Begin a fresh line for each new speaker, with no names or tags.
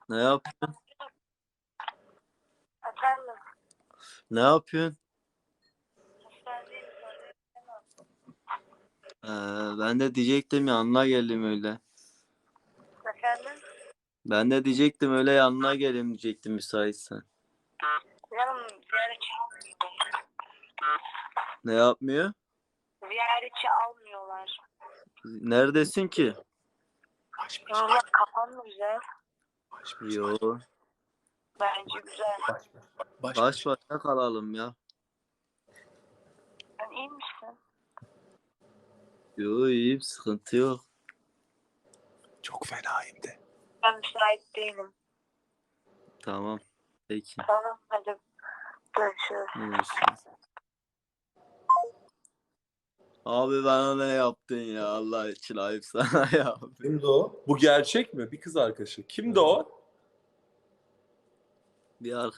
Ne yapıyorsun?
Efendim,
Ne yapıyorsun?
hastanedeyim.
Ben de diyecektim yanına geldim öyle.
Efendim,
Ben de diyecektim öyle yanına gelin diyecektim müsaitsen.
canım ziyaretçi almıyorlar.
Ne yapmıyor?
Ziyaretçi almıyorlar.
Neredesin ki?
Valla kafan mı güzel?
Yo.
Bence güzel.
Baş başa kalalım ya.
Sen iyi misin?
Yo iyiyim sıkıntı yok.
Çok fenayım de.
Ben müsait değilim.
Tamam. Peki.
Tamam, hadi görüşürüz.
Görüşürüz. Abi bana ne yaptın ya Allah için ayıp sana ya.
Kimdi o? Bu gerçek mi? Bir kız arkadaşı. Kimdi o?
Bir